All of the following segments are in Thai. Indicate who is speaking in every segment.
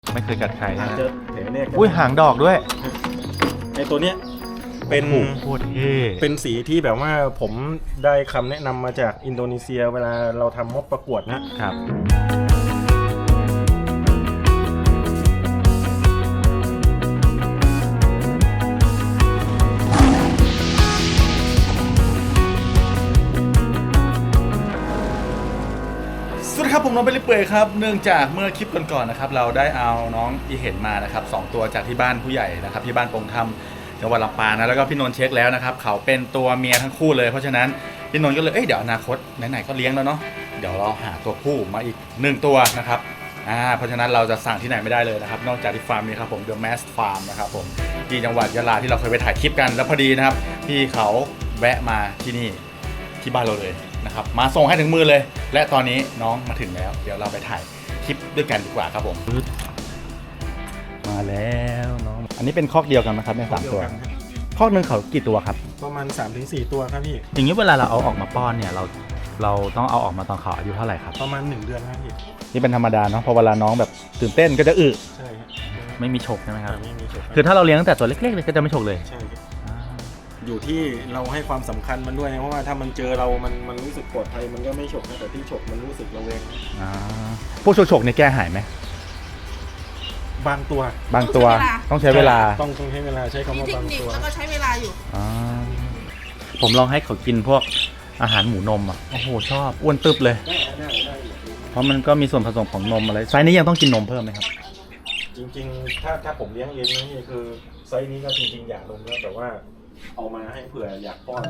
Speaker 1: ไม่เคยกัดใครนะ
Speaker 2: เจอแผลแรก
Speaker 1: อุ้ยหางดอกด้วย
Speaker 2: ไอตัวเนี้ยเป็น
Speaker 1: โคตรเท่
Speaker 2: เป็นสีที่แบบว่าผมได้คำแนะนำมาจากอินโดนีเซียเวลาเราทำม็อบประกวดนะครับ
Speaker 1: สวัสดีครับผมน้องเบลลี่เปื่อยครับเนื่องจากเมื่อคลิปก่อนๆนะครับเราได้เอาน้องอีเห็นมานะครับ2ตัวจากที่บ้านผู้ใหญ่นะครับที่บ้านปงธรรมจังหวัดลำปางนะแล้วก็พี่นนท์เช็คแล้วนะครับเขาเป็นตัวเมียทั้งคู่เลยเพราะฉะนั้นพี่นนท์ก็เลยเดี๋ยวอนาคตไหนๆก็เลี้ยงแล้วเนาะเดี๋ยวเราหาตัวผู้มาอีก1ตัวนะครับเพราะฉะนั้นเราจะสั่งที่ไหนไม่ได้เลยนะครับนอกจากที่ฟาร์มนี้ครับผม The Mass Farm นะครับผมที่จังหวัดยะลาที่เราเคยไปถ่ายคลิปกันแล้วพอดีนะครับพี่เขาแวะมาที่นี่ที่บ้านเราเลยนะครับมาส่งให้ถึงมือเลยและตอนนี้น้องมาถึงแล้วเดี๋ยวเราไปถ่ายคลิปด้วยกันดีกว่าครับผมมาแล้วน้องอันนี้เป็นคอกเดียวกันนะครับใน3ตัวคอกหนึ่งเขากี่ตัวครับ
Speaker 2: ประมาณ 3-4 ตัวครับพี่
Speaker 1: อย่างนี้เวลาเราเอาออกมาป้อนเนี่ยเราต้องเอาออกมาตอนเขาอายุเท่าไหร่ครับ
Speaker 2: ประมาณ1 เดือนครับพี่
Speaker 1: นี่เป็นธรรมดาเนาะพอเวลาน้องแบบตื่นเต้นก็จะอึ
Speaker 2: ใช่ครับ
Speaker 1: ไม่มีฉกใช่ไหมครับ
Speaker 2: ไม่มีฉก
Speaker 1: คือถ้าเราเลี้ยงตั้งแต่ตัวเล็กๆเลยก็จะไม่ฉกเลย
Speaker 2: ใช่ครับอยู่ที่เราให้ความสำคัญมันด้วยนะเพราะว่าถ้ามันเจอเรามันรู้สึกปลอดภัยมันก็ไม่ฉกนะแต่ที่ฉกมันรู้สึกระแวง
Speaker 1: พวกฉกเนี่ยแก้หายไหม
Speaker 2: บางตัว
Speaker 1: บางตัวต้องใช้เวลา
Speaker 2: ต้องใช้เวลาใช้คำว่าบางตัว
Speaker 3: แล้วก็ใช้เวลาอยู่
Speaker 1: ผมลองให้เขากินพวกอาหารหมูนมอ่ะโอ้โหชอบอ้วนตึบเลย
Speaker 2: ได้
Speaker 1: เพราะมันก็มีส่วนผสมของนมอะไรไซส์นี้ยังต้องกินนมเพิ่มไหมครับ
Speaker 2: จริงๆถ้าผมเลี้ยงเองนี่คือไซส์นี้ก็จริงๆอยากลงแล้วแต่ว่าเอามาให้เผื่ออยากป้อน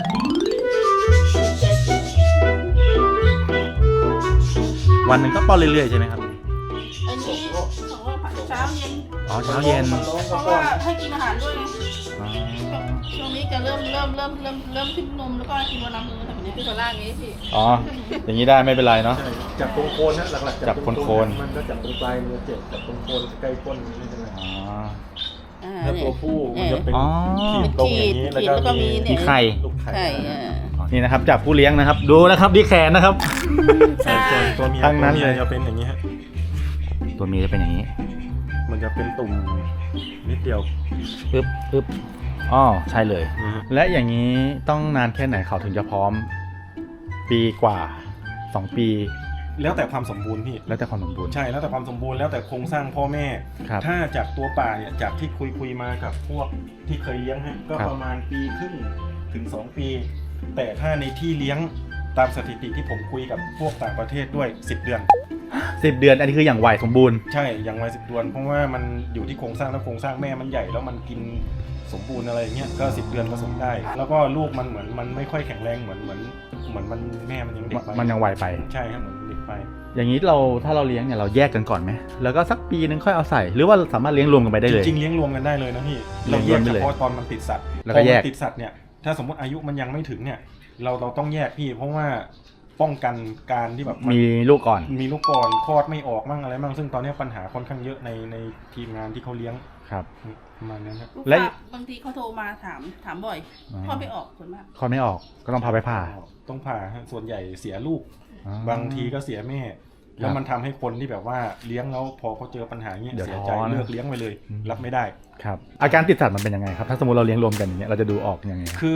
Speaker 1: วันหนึ่งก็ป้อนเรื่อยๆใช่ไหมครับ
Speaker 3: อันนี้ของเราเช้าเย็น
Speaker 1: อ๋อเช้าเย็น
Speaker 3: เพราะว่าให้กินอาหารด้วยไงช่วงนี้จะเริ่มทิ้งนมแล้วก็กินวันละมื้อแต่วันนี้คือตัวล่างนี้พี่
Speaker 1: อ๋ออย่างนี้ได้ไม่เป็นไรเนาะ
Speaker 2: จับตรงโคนนะหลักๆ
Speaker 1: จับโคน
Speaker 2: มันก็จับตรงปลายมือเจ็บจับตรงโคนใกล้ก้นนี่ใช่ไหม
Speaker 1: อ๋อ
Speaker 2: ถ้าตัวผู้มันจะเป็น
Speaker 1: อ๋อ
Speaker 2: ขีดตรงอย่างนี้แล้วก็มี
Speaker 1: มีไข่
Speaker 2: ลูกไข่
Speaker 3: ใช่
Speaker 1: นี่นะครับจากผู้เลี้ยงนะครับดูนะครับดีแขนนะครับ
Speaker 3: ใช่
Speaker 2: ส่วนตัวเมีย
Speaker 1: ทั้งนั้นเลย
Speaker 2: จะเป็นอย่างนี้ฮะ
Speaker 1: ตัวเมียจะเป็นอย่างนี้
Speaker 2: มันจะเป็นตุ่มนิดเดียว
Speaker 1: ปึ๊บอ๋อใช่เลย
Speaker 2: นะฮะ
Speaker 1: และอย่างนี้ต้องนานแค่ไหนเขาถึงจะพร้อม ปีกว่า2 ปี
Speaker 2: แล้วแต่ความสมบูรณ์พี่
Speaker 1: แล้วแต่ความสมบูรณ์
Speaker 2: ใช่แล้วแต่ความสมบูรณ์แล้วแต่โครงสร้างพ่อแม่
Speaker 1: ครับ
Speaker 2: ถ้าจากตัวป่าเนี่ยจากที่คุยมากับพวกที่เคยเลี้ยงฮะก็
Speaker 1: ครับ
Speaker 2: ประมาณปีครึ่งถึง2 ปี แต่ถ้าในที่เลี้ยงตามสถิติที่ผมคุยกับพวกต่างประเทศด้วย10 เดือน
Speaker 1: 10 เดือนอันนี้คืออย่างไวสมบูรณ์
Speaker 2: ใช่อย่างวัย10 เดือนเพราะว่ามันอยู่ที่โครงสร้างแล้วโครงสร้างแม่มันใหญ่แล้วมันกินสมบูรณ์อะไรอย่างเงี้ยก็10 เดือนผสมได้ แล้วก็ลูกมันเหมือนมันไม่ค่อยแข็งแรงเหมือนมันแม่มันยังเด็กไป
Speaker 1: มันยังไวไป
Speaker 2: ใช่ครับเหมือนเด็กไป
Speaker 1: อย่างนี้ถ้าเราเลี้ยงเนี่ยเราแยกกันก่อนไหมแล้วก็สักปีนึงค่อยเอาใส่หรือว่าสามารถเลี้ยงรวมกันไปได้เลย
Speaker 2: จริงๆเลี้ยงรวมกันได้เลยนะพี่
Speaker 1: เลี้
Speaker 2: เรา
Speaker 1: ยง
Speaker 2: แยก
Speaker 1: รวมได้
Speaker 2: เฉ
Speaker 1: เลย
Speaker 2: พาะตอนมันติดสัตว์
Speaker 1: แล้วก็แยก
Speaker 2: พอมันติดสัตว์เนี่ยถ้าสมมติอายุมันยังไม่ถึงเนี่ยเราต้องแยกพี่เพราะว่าป้องกันการที่แบบน
Speaker 1: มีลูกก่อน
Speaker 2: มีลูกก่อนคลอดไม่ออกมั่งอะไรมั่งซึ่งตอนนี้ปัญหาค่อนข้างเยอะในทีมงานที่เขาเลี้ยง
Speaker 1: ครับ
Speaker 2: ประมาณนั้นครับ
Speaker 3: ลูก
Speaker 1: และ
Speaker 3: ค้าบางทีเขาโทรมาถามบ่อยทอดไม่ออกส่วนมาก
Speaker 1: คลอดไม่ออกก็ต้องพาไปผ่า
Speaker 2: ต้องผ่าฮะส่วนใหญ่เสียลูก
Speaker 1: อ๋อ
Speaker 2: บางทีก็เสียแม่ แล้วมันทำให้คนที่แบบว่าเลี้ยงแล้วพอเขาเจอปัญหาเงี้ย
Speaker 1: เดี๋ยว
Speaker 2: เสียใจ
Speaker 1: ท้อนะ
Speaker 2: เลิกเลี้ยงไปเลย รับไม่ได้
Speaker 1: ครับอาการติดสัตว์มันเป็นยังไงครับถ้าสมมติเราเลี้ยงรวมกันอย่างเงี้ยเราจะดูออกยังไง
Speaker 2: คือ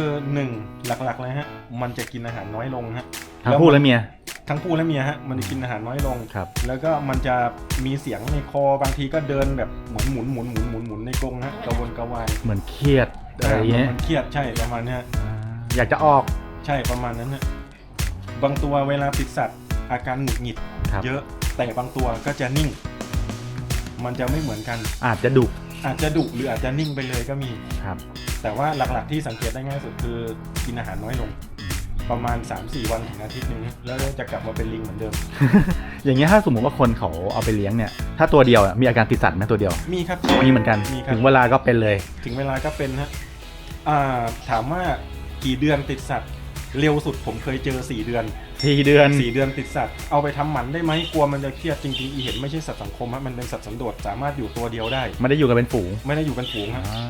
Speaker 2: 1หลักๆเลยฮะมันจะกินอาหารน้อยลงฮะ
Speaker 1: ทั้งผู้และเมีย
Speaker 2: ทั้งผู้และเมียฮะมันจะกินอาหารน้อยลง
Speaker 1: ครับ
Speaker 2: แล้วก็มันจะมีเสียงในคอบางทีก็เดินแบบหมุนในกรงฮะกระวนกระวาย
Speaker 1: เหมือนเครียดอะไรอย่างเงี้ย
Speaker 2: มันเครียดใช่ประมาณเนี้ย
Speaker 1: อยากจะออก
Speaker 2: ใช่ประมาณนั้นฮะบางตัวเวลาติดสัตว์อาการหงุดหงิด
Speaker 1: ครับ
Speaker 2: เยอะแต่บางตัวก็จะนิ่ง มันจะไม่เหมือนกัน
Speaker 1: อาจจะดุ
Speaker 2: อาจจะดุหรืออาจจะนิ่งไปเลยก็มี
Speaker 1: ครับ
Speaker 2: แต่ว่าหลักๆที่สังเกตได้ง่ายสุดคือกินอาหารน้อยลง ประมาณ 3-4 วันถึงอาทิตย์หนึงแล้วจะกลับมาเป็นลิงเหมือนเดิม
Speaker 1: อย่างเงี้ยถ้าสมมติว่าคนเขาเอาไปเลี้ยงเนี่ยถ้าตัวเดียวอะมีอาการติดสัตว์ไหมตัวเดียว
Speaker 2: มีครับ
Speaker 1: มีเหมือนกัน
Speaker 2: มีครับ
Speaker 1: ถึงเวลาก็เป็นเลย
Speaker 2: ถึงเวลาก็เป็นฮะถามว่ากี่เดือนติดสัตว์ เร็วสุดผมเคยเจอ4 เดือน
Speaker 1: 4 เดือน
Speaker 2: 4 เดือนติดสัตว์ เอาไปทำหมันได้ไหมกลัวมันจะเครียดจริงๆอีเห็นไม่ใช่สัตว์สังคมฮะมันเป็นสัตว์สันโดษสามารถอยู่ตัวเดียวได้
Speaker 1: ไม่ได้อยู่กันเป็นฝูง
Speaker 2: ไม่ได้อยู่กันฝูงฮะ
Speaker 1: อ่า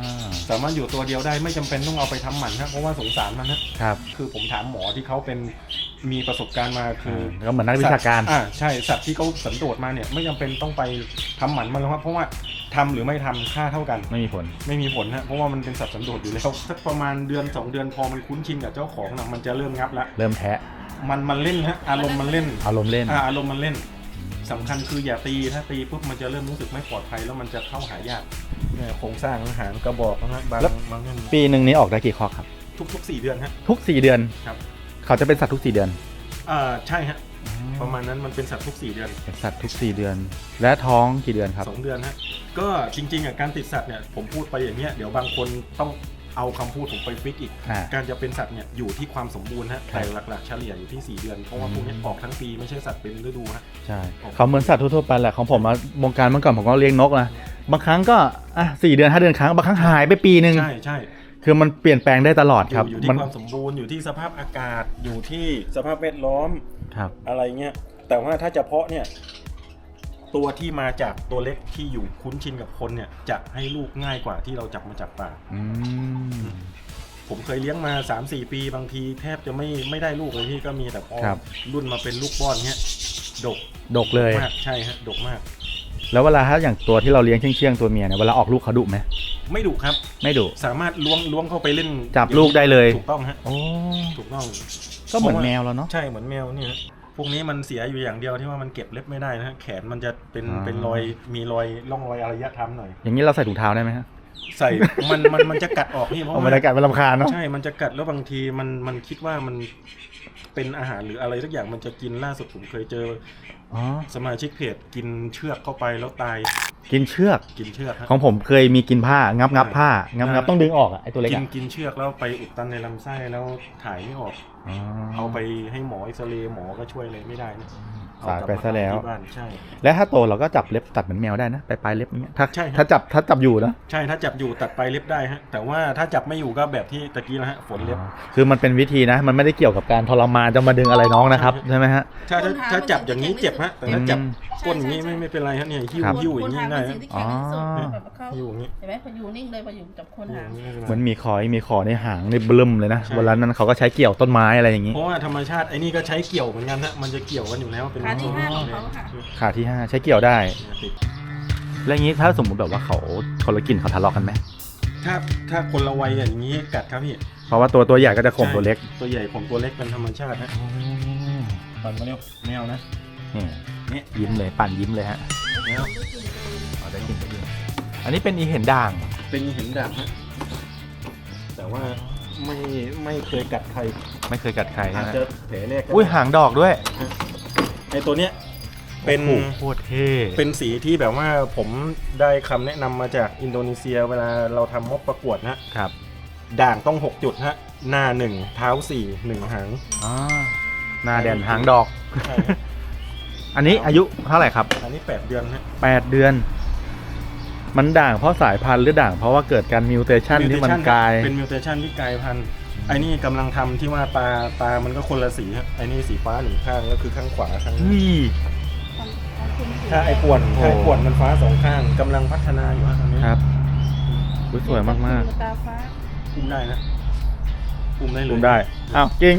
Speaker 2: สามารถอยู่ตัวเดียวได้ไม่จำเป็นต้องเอาไปทำหมันครับเพราะว่าสงสารมันนะครับ คือผมถามหมอที่เขาเป็นมีประสบการณ์มาคือ
Speaker 1: ก็เหมือนนักวิชาการ
Speaker 2: ใช่สัตว์ที่เขาสันโดษมาเนี่ยไม่จำเป็นต้องไปทำหมันมันหรอกครับเพราะว่าทำหรือไม่ทำค่าเท่ากัน
Speaker 1: ไม่มีผล
Speaker 2: ไม่มีผลฮะเพราะว่ามันเป็นสัตว์สันโดษอยู่แล้วสักประมาณเดือน2 เดือนพอมันคุ้นชินกับเจ้าของนะมันจะเริ่มงับละ
Speaker 1: เริ่มแทะ
Speaker 2: มันเล่นฮะอารมณ์มันเล่น
Speaker 1: อารมณ์เล่น
Speaker 2: อารมณ์มันเล่นสำคัญคืออย่าตีถ้าตีปุ๊บมันจะเริ่มรู้สึกไม่ปลอดภัยแล้วมันจะเข้าหายากเนี่ยโครงสร้างหางกระบอกนะฮะบาง
Speaker 1: แล้ว
Speaker 2: บางเรื่อง
Speaker 1: ปีหนึ่งนี้ออกได้กี่คอกครับ
Speaker 2: ทุก4 เดือนฮะ
Speaker 1: ทุก 4 เดือน
Speaker 2: ครับ
Speaker 1: เขาจะเป็นสัตว์ทุก 4 เดือน
Speaker 2: ใช่ฮะประมาณนั้นมันเป็นสัตว์ทุก4 เดือน
Speaker 1: เป็นสัตว์ทุก 4 เดือน และท้องกี่เดือนครับ
Speaker 2: 2 เดือนฮะก็จริงๆการติดสัตว์เนี่ยผมพูดไปอย่างเงี้ยเดี๋ยวบางคนต้องเอาคำพูดผมไปฟิกอีก การจะเป็นสัตว์เนี่ยอยู่ที่ความสมบูรณ์ฮะแต่หลักๆเฉลี่ยอยู่ที่4 เดือนเพราะว่าพวกนี้ออกทั้งปีไม่ใช่สัตว์เป็นฤดูฮะ
Speaker 1: ใช่เขาเหมือนสัตว์ทั่วๆไปแหละของผมวงการเมื่อก่อนผมก็เลี้ยงนกนะบางครั้งก็4 เดือน5 เดือนครั้งบางครั้งหายไปปีนึง
Speaker 2: ใช่
Speaker 1: คือมันเปลี่ยนแปลงได้ตลอดครับ
Speaker 2: อยู่ที่ความสมบูรณ์อยู่ที่สภาพอากาศอยู่ที่สภาพแวดล้อม
Speaker 1: ครับ
Speaker 2: อะไรเงี้ยแต่ว่าถ้าจะเพาะเนี่ยตัวที่มาจากตัวเล็กที่อยู่คุ้นชินกับคนเนี่ยจะให้ลูกง่ายกว่าที่เราจับมาจากป่า ผมเคยเลี้ยงมา 3-4 ปีบางทีแทบจะไม่ได้ลูกเลยพี่ก็มีแต่พอรุ่นมาเป็นลูกป้อนเนี้ยดก
Speaker 1: เลย
Speaker 2: มากใช่ฮะดกมาก
Speaker 1: แล้วเวลาถ้าอย่างตัวที่เราเลี้ยงเชื่องๆตัวเมียเนี่ยเวลาออกลูกเขาดุไหม
Speaker 2: ไม่ดุครับ
Speaker 1: ไม่ดุ
Speaker 2: สามารถล้วงเข้าไปเล่น
Speaker 1: จับลูกได้เลย
Speaker 2: ถูกต้องฮะ
Speaker 1: โอ้
Speaker 2: ถูกต้อง
Speaker 1: ก็เหมือนแมวแล้วเนาะ
Speaker 2: ใช่เหมือนแมวเนี่ยพวกนี้มันเสียอยู่อย่างเดียวที่ว่ามันเก็บเล็บไม่ได้นะฮะแขนมันจะเป็นรอยมีรอยร่องรอยอารยธรรมหน่อย
Speaker 1: อย่างนี้เราใส่ถุงเท้าได้ไหมฮะ
Speaker 2: ใส่มันจะกัดออกนี่เพราะ
Speaker 1: บรรยากาศมันรำคาญเนาะ
Speaker 2: ใช่มันจะกัดแล้วบางทีมันคิดว่ามันเป็นอาหารหรืออะไรสักอย่างมันจะกินล่าสุดผมเคยเจอสมาชิกเพจกินเชือกเข้าไปแล้วตาย
Speaker 1: กินเชือก
Speaker 2: ฮะ
Speaker 1: ของผมเคยมีกินผ้างับผ้างับต้องดึงออกอะไอตัวเล็ก
Speaker 2: กินเชือกแล้วไปอุดตันในลำไส้แล้วถ่ายไม่ออกเอาไปให้หมอเอ็กซเรย์หมอก็ช่วยอะไรไม่ได้นะ
Speaker 1: สายไปซะแล้ว
Speaker 2: ที่บ้านใช่
Speaker 1: และถ้าโตเราก็จับเล็บตัดเหมือนแมวได้นะปลายเล็บอย่างเงี้ยถ้า
Speaker 2: ใช่ครับ
Speaker 1: ถ้าจับอยู่นะ
Speaker 2: ใช่ถ้าจับอยู่ตัดไปเล็บได้ฮะแต่ว่าถ้าจับไม่อยู่ก็แบบที่ตะกี้นะฮะฝนเล็บ
Speaker 1: คือมันเป็นวิธีนะ มันไม่ได้เกี่ยวกับการทรมานจะมาดึงอะไรน้องนะครับใช่ไหมฮะ
Speaker 2: ถ้าจับอย่างนี้เจ็บฮะแต่ถ้าจับก้นอย่างนี้ไม่เป็นไรฮะเนี่ยหิ้วอย่างนี้ได้
Speaker 3: คนทำเป็นสิ่งที่แข็งที่สุดแบบเข้า
Speaker 2: หิ้วอย่างนี้
Speaker 3: เห็นไหมพออยู่นิ่งเลยพออยู่จับคนหาง
Speaker 1: เหมือนมีขอในหางในเบิ่มเลยนะเวลานั้นเขาก็ใช้เกี่ยวต้นไม้อะไรอย่างนี้
Speaker 2: เพราะว่าธรรมชาติไอ้นี่ก็ใช้เกี่ยวเหมือนกันฮะมันจะเกี่ยวกันอยู่แล้วเป็น
Speaker 3: ขาที่ห้าของเขาค่ะ
Speaker 1: ขาที่ 5 ใช้เกี่ยวได้ แล้วอย่างนี้ถ้าสมมุติแบบว่าเขาคนละกลิ่นเขาทะเลาะกันไหม
Speaker 2: ถ้าคนละวัยอย่างนี้กัดครับพี่
Speaker 1: เพราะว่าตัวใหญ่ก็จะข่มตัวเล็ก
Speaker 2: ตัวใหญ่ผมตัวเล็กเป็นธรรมชาติฮะปั่นมาเร็วแมวนะ
Speaker 1: นี่ยิ้มเลยปั่นยิ้มเลยฮะ
Speaker 2: แมว
Speaker 1: อ๋อได้กินอันนี้เป็นอีเห็นด่าง
Speaker 2: เป็นหินดาบฮะแต่ว่าไม่เคยกัดใคร
Speaker 1: ไม่เคยกัดใคร
Speaker 2: อาจ
Speaker 1: นะ
Speaker 2: จะแผลแรกก็
Speaker 1: อุ้ยหางดอกด้วย
Speaker 2: ไอตัวเนี้ยเป็น
Speaker 1: โอ้โหโคตรเท่
Speaker 2: เป็นสีที่แบบว่าผมได้คำแนะนำมาจากอินโดนีเซียเวลาเราทำม็อบประกวดนะครับ ด่างต้อง6 จุดฮะหน้า1เท้า4 1หาง
Speaker 1: อ๋อหน้าแดนหางดอก
Speaker 2: ใช่
Speaker 1: อันนี้อายุเท่าไหร่ครับ
Speaker 2: อันนี้8 เดือนฮะ
Speaker 1: 8 เดือน มันด่างเพราะสายพันธุ์หรือด่างเพราะว่าเกิดการมิวเทชันที่มันกลาย
Speaker 2: เป็นมิวเทชันที่กลายพันธุ์ไอ้นี่กำลังทำที่ว่าตามันก็คนละสีฮะไอ้นี่สีฟ้า1 ข้างก็คือข้างขวาข้าง
Speaker 1: นี่
Speaker 2: ถ้าไอ้ป่วนมันฟ้า2 ข้างกำลังพัฒนาอยู่ฮะตอนนี้
Speaker 1: ครับอุ๊ยสวยมาก
Speaker 3: ตาฟ้า
Speaker 2: อุ้มได้นะอุ้มได้
Speaker 1: ๆ
Speaker 2: เลย
Speaker 1: อุ้มได้ อ้าวจริง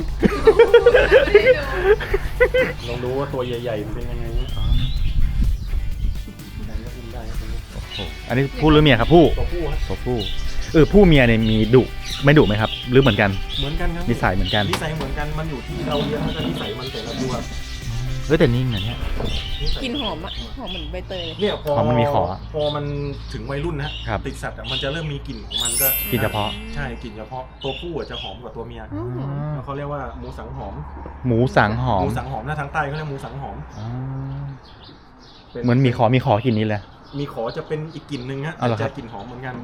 Speaker 2: ลองดูว่าตัวใหญ่ๆมันเป็นยังไงนะไหนก็อุ้มได้ครับตรงนี้
Speaker 1: อันนี้ผู้หรือเมียครับผู้
Speaker 2: ตัวผู้ฮะ
Speaker 1: ตัวผู้ผู้เมียเนี่ยมีดุไม่ดุไหมครับ หรือเหมือนกัน
Speaker 2: เหมือนกันครับ
Speaker 1: นิสัยเหมือนกัน
Speaker 2: นิสัยเหมือนกันมันอยู่ที่เราเลี้ยงแล้วก็นิสัยมันแต่ละตัว
Speaker 1: เฮ้ยแต่นิ่งนะเนี่ย
Speaker 3: กินหอมอ่ะหอมเหมือนใบเตยเลย
Speaker 2: เนี่ย
Speaker 1: พอมันมีขอ
Speaker 2: พอมันถึงวัยรุ่นนะครับ ติดสัตว์อะมันจะเริ่มมีกลิ่นของมันก็
Speaker 1: กลิ่นเฉพาะ
Speaker 2: ใช่กลิ่นเฉพาะตัวผู้อะจะหอมกว่าตัวเมียแล้วเขาเรียกว่าหมูสังหอม
Speaker 1: หมูสังหอ
Speaker 2: ห
Speaker 1: ม
Speaker 2: มูสังหอมนะทางใต้เขาเรียกหมูสังหอม
Speaker 1: อ๋อเหมือนมีขอกลิ่นนี้เลย
Speaker 2: มีขอจะเป็นอีกกลิ่นหนึ่งฮะ
Speaker 1: เอาเหรอครั
Speaker 2: จะ
Speaker 1: บ
Speaker 2: กลิ่นหอมเหมือนกัน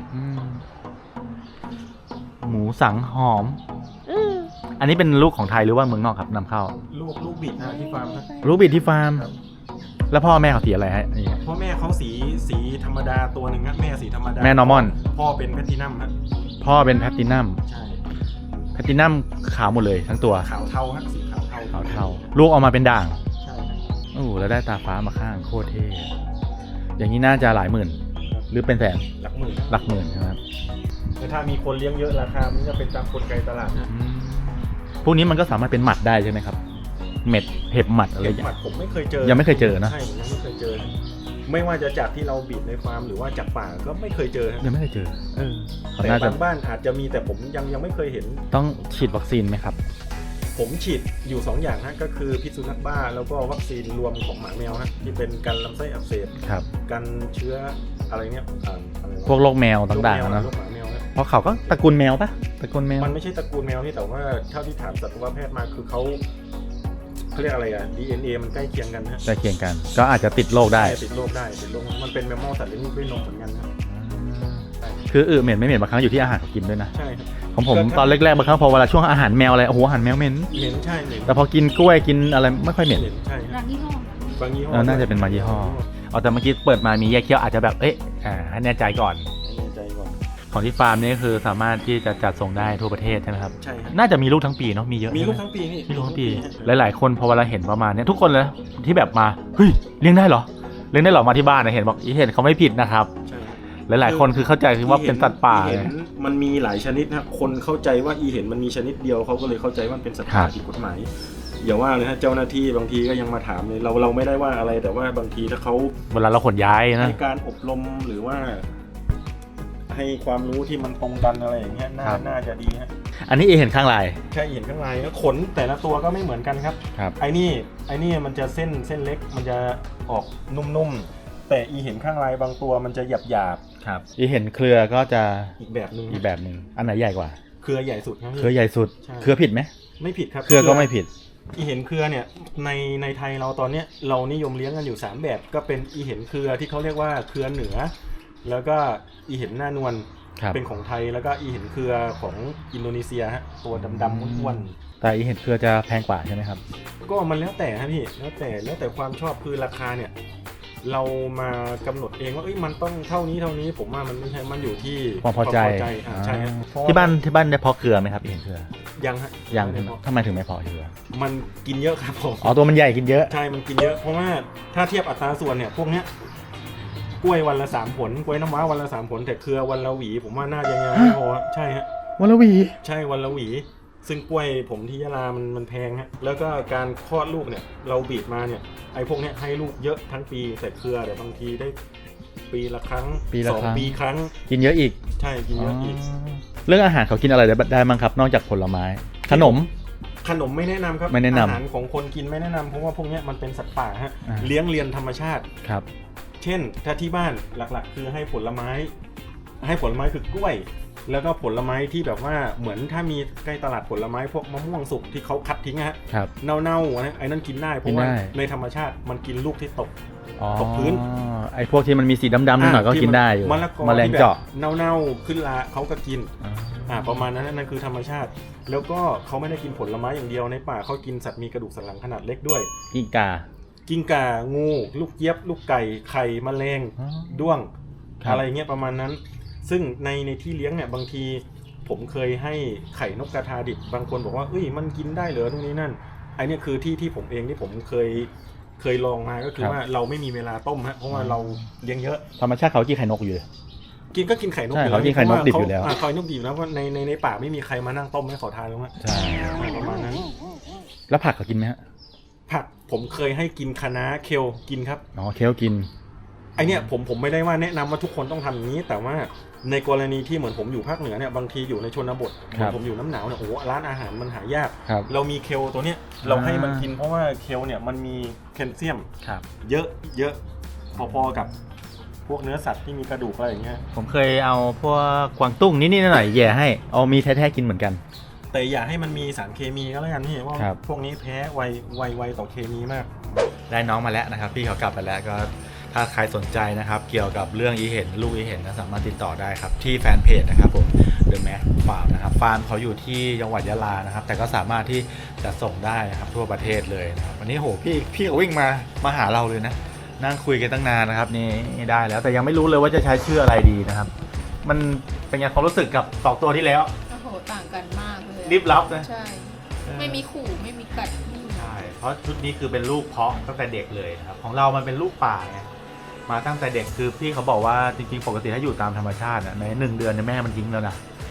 Speaker 1: หมูสังหอม อันนี้เป็นลูกของไทยหรือว่าเมืองนอกครับนำเข้า
Speaker 2: ลูกบิดนะที่ฟาร์มนะ
Speaker 1: ลูกบิดที่ฟาร์ม
Speaker 2: ครับ
Speaker 1: แล้วพ่อแม่เขาสีอะไรฮะนี่
Speaker 2: พ่อแม่เขาสีธรรมดาตัวหนึ่งฮะแม่สีธรรมดา
Speaker 1: แม่ normal
Speaker 2: พ่อเป็นแพลตตินัมฮะ
Speaker 1: พ่อเป็นแพลตตินัม
Speaker 2: ใช่
Speaker 1: แพลตตินัมขาวหมดเลยทั้งตัว
Speaker 2: ขาวเทาฮะสีขาวเทา
Speaker 1: ขาวเทาลูกออกมาเป็นด่าง
Speaker 2: ใช่ครับ
Speaker 1: โอ้แล้วได้ตาฟ้ามาข้างโคตรเท่อย่างนี้น่าจะหลายหมื่น หรือเป็นแสน
Speaker 2: หลักหมื่น
Speaker 1: หลักหมื่นนะครับ
Speaker 2: แต่ถ้ามีคนเลี้ยงเยอะราคามันจะเป็นตามกลไกตลาดนะ
Speaker 1: พวกนี้มันก็สามารถเป็นหมัดได้ใช่ไหมครับเม็ดเห็บหมัดอะไรอ
Speaker 2: เห็
Speaker 1: ย่าง
Speaker 2: บ
Speaker 1: เงี้
Speaker 2: หมั
Speaker 1: ย
Speaker 2: ดผมไม่เคยเจอ
Speaker 1: ยังไม่เคยเจอนะ
Speaker 2: ใช่ผมยังไม่เคยเจอ ไม่ว่าจะจากที่เราบีบในฟาร์มหรือว่าจากป่าก็ไม่เคยเจอ
Speaker 1: ยังไม่เคยเจอเขา
Speaker 2: แต่
Speaker 1: น่าจะ
Speaker 2: บางบ้านอาจจะมีแต่ผมยังไม่เคยเห็น
Speaker 1: ต้องฉีดวัคซีนไหมครับ
Speaker 2: ผมฉีดอยู่2อย่างนะก็คือพิษสุนัขบ้าแล้วก็วัคซีนรวมของหมาแมวฮะที่เป็นกันลำไส้อักเสบ
Speaker 1: ครับ
Speaker 2: กันเชื้ออะไรเนี่ยอะไระ
Speaker 1: พวกโรคแมวต่างๆนะ
Speaker 2: โรคหมาแมวนะ
Speaker 1: เพราะเขาก็ตระกูลแมวปะตระกูลแมว
Speaker 2: มันไม่ใช่ตระกูลแมวนี่แต่ว่าเท่าที่ถามสัตวแพทย์มาคือเขาเรียกอะไรอะ DNA มันใกล้เคียงกันฮะ
Speaker 1: ใกล้เคียงกัน ก็อาจจะติดโรคได้
Speaker 2: ติดโรคมันเป็นแมมมอลสัตว์เลี้ยงลูกด้วยนมเหมือนกันนะ
Speaker 1: คือเหม็นไม่เหม็นบางครั้งอยู่ที่อาหารเขากินด้วยนะ
Speaker 2: ใช่ครับ
Speaker 1: ของผมตอนแรกๆบางครั้งพอเวลาช่วงอาหารแมวอะไรโอ้โหอาหารแมวเหม็น
Speaker 2: เหม็นใช่เหม็น
Speaker 1: แต่พอกินกล้วยกินอะไรไม่ค่อยเหม็น
Speaker 2: ใช่
Speaker 3: ร้านยี่ห้อบ
Speaker 2: างยี่ห้อ
Speaker 1: น่าจะเป็นบางยี่ห้อเอาแต่เมื่อกี้เปิดมามีแยกเคี้ยวอาจจะแบบให้แน่ใจก่อน
Speaker 2: ไม่แน่ใจก่อน
Speaker 1: ของที่ฟาร์มนี่คือสามารถที่จะจัดส่งได้ทั่วประเทศใช่ไหมครับ
Speaker 2: ใช่ครับ
Speaker 1: น่าจะมีลูกทั้งปีเนาะมีเยอะ
Speaker 2: มีลูก
Speaker 1: ใช่ไห
Speaker 2: ทั้งปีนี่
Speaker 1: มีลูกทั้งปีหลายๆคนพอเวลาเห็นประมาณเนี้ยทุกคนเลยที่แบบมาเฮ้ยเลี้ยงได้เหรอเลี้ยงได้เหรอมาที่บ้านนะเห็นบอกเห็นเขาไม่ผิดนะครับ
Speaker 2: ใช่ครับ
Speaker 1: หลายๆคนคือเข้าใจคือว่าเป็นสัตว์ป่า
Speaker 2: อีเห็น
Speaker 1: ไง
Speaker 2: มันมีหลายชนิดนะครับคนเข้าใจว่าอีเห็นมันมีชนิดเดียวเขาก็เลยเข้าใจว่ามันเป็นสัตว์ป่า
Speaker 1: ครับ
Speaker 2: ผิดกฎหมายอย่าว่าเลยฮะเจ้าหน้าที่บางทีก็ยังมาถามเลยเราไม่ได้ว่าอะไรแต่ว่าบางทีถ้าเขา
Speaker 1: เวลาเราขนย้ายนะ
Speaker 2: ให้การอบรมหรือว่า ให้ความรู้ที่มันตรงกันอะไรอย่างเงี้ยน่าจะดีฮะ
Speaker 1: อันนี้เห็นข้างลาย
Speaker 2: แค่เห็นข้างในก็ขนแต่ละตัวก็ไม่เหมือนกันครับ
Speaker 1: ครับ
Speaker 2: ไอ้นี่มันจะเส้นเล็กมันจะออกนุ่มๆแต่อีเห็นข้างในบางตัวมันจะหยาบ
Speaker 1: ครับเห็นเครือก็จะ
Speaker 2: ๆอีกแบบนึง
Speaker 1: อีกแบบหนึ่งอันไหนใหญ่กว่า
Speaker 2: เครือใหญ่สุดครับพี่
Speaker 1: เครือใหญ่สุด
Speaker 2: ใช่
Speaker 1: เครือผิดไหม
Speaker 2: ไม่ผิดครับ
Speaker 1: เครือก็ไม่ผิด
Speaker 2: อีเห็นเครือเนี่ยในไทยเราตอนเนี้ยเรานิยมเลี้ยงกันอยู่3แบบก็เป็นอีเห็นเครือที่เขาเรียกว่าเครือเหนือ แล้วก็อีเห็นหน้านวล
Speaker 1: ครับ
Speaker 2: เป็นของไทยแล้วก็อีเห็นเครือของอินโดนีเซียฮะตัวดำๆอ้วน
Speaker 1: แต่เห็นเครือจะแพงกว่าใช่ไหมครับ
Speaker 2: ๆก็มันแล้วแต่ฮะพี่แล้วแต่ความชอบคือราคาเนี่ยเรามากำหนดเองว่ามันต้องเท่านี้ผมว่ามันไม่ใช่มันอยู่ที่
Speaker 1: ความพอใจ
Speaker 2: ใช่ฮะเพระ
Speaker 1: ที่บ้านได้เพาะเครือไหมครับเห็นเครือ
Speaker 2: ยังฮะ
Speaker 1: ยัง
Speaker 2: ไม่ได้เพาะ
Speaker 1: ทำไมถึงไม่เพาะเครือ
Speaker 2: มันกินเยอะครับผม
Speaker 1: อ๋อตัวมันใหญ่กินเยอะ
Speaker 2: ใช่มันกินเยอะเพราะว่าถ้าเทียบอัตราส่วนเนี่ยพวกเนี้ยกล้วยวันละ3ผลกล้วยน้ำว้าวันละ3ผลแต่เครือวันละหวีผมว่าน่าจะยังไม่พอใช่ฮะ
Speaker 1: วันละหวี
Speaker 2: ใช่วันละหวี ซึ่งกล้วยผมที่ยะลามันแพงฮะแล้วก็การคลอดลูกเนี่ยเราบีบมาเนี่ยไอ้พวกเนี้ยให้ลูกเยอะทั้งปีแต่เครือเดี๋ยวบางทีได้ปีละครั้ง2 ปีครั้ง
Speaker 1: กินเยอะอีก
Speaker 2: ใช่กินเยอะอีก
Speaker 1: เรื่องอาหารเขากินอะไรได้บ้างครับ นอกจากผลไม้ ขนม
Speaker 2: ไม่แนะนำครับ
Speaker 1: ไม่แนะนำ
Speaker 2: อาหารของคนกินไม่แนะนำเพราะว่าพวกเนี้ยมันเป็นสัตว์ป่าฮะ
Speaker 1: อ่า
Speaker 2: เลี้ยงเรียนธรรมชาติ
Speaker 1: ครับ
Speaker 2: เช่นถ้าที่บ้านหลักๆ คือให้ผลไม้คือกล้วย แล้วก็ผลไม้ที่แบบว่าเหมือนถ้ามีใกล้ตลาดผลไม้พวกมะม่วงสุกที่เขาคัดทิ้งฮะ
Speaker 1: ครับ
Speaker 2: เน่าๆนะไอ้นั่นกินได้เพราะว่า
Speaker 1: กินได้
Speaker 2: ในธรรมชาติมันกินลูกที่ตก
Speaker 1: อ๋อ
Speaker 2: ตกพื้น
Speaker 1: ไอ้พวกที่มันมีสีดำๆนิดหน่อยก็กินได้อยู่
Speaker 2: มะละกอ
Speaker 1: แมลง
Speaker 2: ที่แบบ
Speaker 1: เจาะ
Speaker 2: เน่าๆขึ้นราเขาก็กิน
Speaker 1: อ๋อ
Speaker 2: ประมาณนั้นนั่นคือธรรมชาติ แล้วก็เขาไม่ได้กินผลไม้อย่างเดียวในป่าเขากินสัตว์มีกระดูกสันหลังขนาดเล็กด้วย
Speaker 1: กิ้งกา
Speaker 2: กิ้งก่างูลูกเจี๊ยบลูกไก่ไข่แมลง
Speaker 1: อ๋อ
Speaker 2: ด้วง
Speaker 1: ครับ
Speaker 2: อะไรเงี้ยประมาณนั้น ซึ่งในที่เลี้ยงเนี่ยบางทีผมเคยให้ไข่นกกระทาดิบบางคนบอกว่ามันกินได้เหรอตรงนี้นั่นไอเนี่ยคือที่ผมเองที่ผมเคยลองมาก็คือว่าเราไม่มีเวลาต้มฮะเพราะว่าเราเลี้ยงเยอะ
Speaker 1: ธรรมชาติเขากินไข่นกอยู่เลย
Speaker 2: กินไข่นก
Speaker 1: ใช่
Speaker 2: อยู่
Speaker 1: เขากินไข่นกดิบอยู่แล้ว
Speaker 2: ไข่นกดิบนะเพราะในป่าไม่มีใครมานั่งต้มให้ขอทานหรอกฮะ
Speaker 1: ใช่
Speaker 2: ประมาณนั้น
Speaker 1: แล้วผักเขากินไหมฮะ
Speaker 2: ผักผมเคยให้กินคะน้าเคลกินครับ
Speaker 1: อ๋อเคลกิน
Speaker 2: ไอเนี่ยผมไม่ได้ว่าแนะนำว่าทุกคนต้องทำอย่างนี้ แต่ว่าในกรณีที่เหมือนผมอยู่ภาคเหนือเนี่ยบางทีอยู่ในชนบท
Speaker 1: ครับ
Speaker 2: ผมอยู่น้ำหนาวเนี่ยร้านอาหารมันหายาก
Speaker 1: ครับ
Speaker 2: เรามีเคลตัวเนี้ยเราให้มันกินเพราะว่าเคลเนี่ยมันมีแคลเซียม
Speaker 1: ครับ
Speaker 2: เยอะพอๆกับพวกเนื้อสัตว์ที่มีกระดูกอะไรอย่างเงี้ย
Speaker 1: ผมเคยเอาพวกกวางตุ้งนิดๆหน่อยๆแย่ให้เอามีแท้ๆกินเหมือนกัน
Speaker 2: แต่อย่าให้มันมีสารเคมีก็แล้วกันนี่ว่า
Speaker 1: ครับ
Speaker 2: พวกนี้แพ้ไวต่อเคมีมาก
Speaker 1: ได้น้องมาแล้วนะครับพี่เขากลับไปแล้วก็ถ้าใครสนใจนะครับเกี่ยวกับเรื่องอีเห็นลูกอีเห็นนะสามารถติดต่อได้ครับที่แฟนเพจนะครับผม The Max Farm นะครับฟาร์มเขาอยู่ที่จังหวัดยะลานะครับแต่ก็สามารถที่จะส่งได้นะครับทั่วประเทศเลยนะครับวันนี้โหพี่เขาวิ่งมาหาเราเลยนะนั่งคุยกันตั้งนานนะครับนี่ได้แล้วแต่ยังไม่รู้เลยว่าจะใช้ชื่ออะไรดีนะครับมันเป็นไงความรู้สึกกับ2ตัวที่แล้ว
Speaker 3: โอ้โหต่างกันมากเลย
Speaker 1: รีบรับนะ
Speaker 3: ใช่ ไม่มีขู่ไม่มีกัดไม่มี
Speaker 1: ใช่เพราะชุดนี้คือเป็นลูกเพาะตั้งแต่เด็กเลยนะครับของเรามันเป็นลูกป่าไงมาตั้งแต่เด็กคือพี่เขาบอกว่าจริงๆปกติถ้าอยู่ตามธรรมชาติใน1 เดือนเนี่ยแม่มันทิ้งแล้วนะ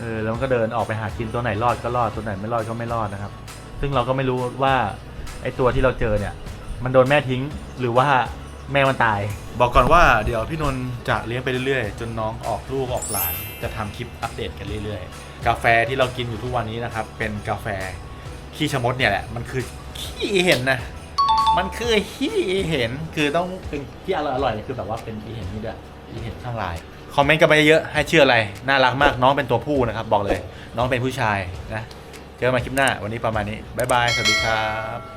Speaker 1: แล้วมันก็เดินออกไปหากินตัวไหนรอดก็รอดตัวไหนไม่รอดก็ไม่รอดนะครับซึ่งเราก็ไม่รู้ว่าไอ้ตัวที่เราเจอเนี่ยมันโดนแม่ทิ้งหรือว่าแม่มันตายบอกก่อนว่าเดี๋ยวพี่นนท์จะเลี้ยงไปเรื่อยๆจนน้องออกลูกออกหลานจะทำคลิปอัปเดตกันเรื่อยๆกาแฟที่เรากินอยู่ทุกวันนี้นะครับเป็นกาแฟขี้ชะมดเนี่ยแหละมันคือขี้เห็นนะมันคือขี้เห็นคือต้องเป็นที่อร่อยๆคือแบบว่าเป็นขี้เห็นนี่ด้วยขี้เห็นข้างลายคอมเมนต์กันไปเยอะให้เชื่ออะไรน่ารักมากน้องเป็นตัวผู้นะครับบอกเลยน้องเป็นผู้ชายนะเจอกันใหม่คลิปหน้าวันนี้ประมาณนี้บ๊ายบายสวัสดีครับ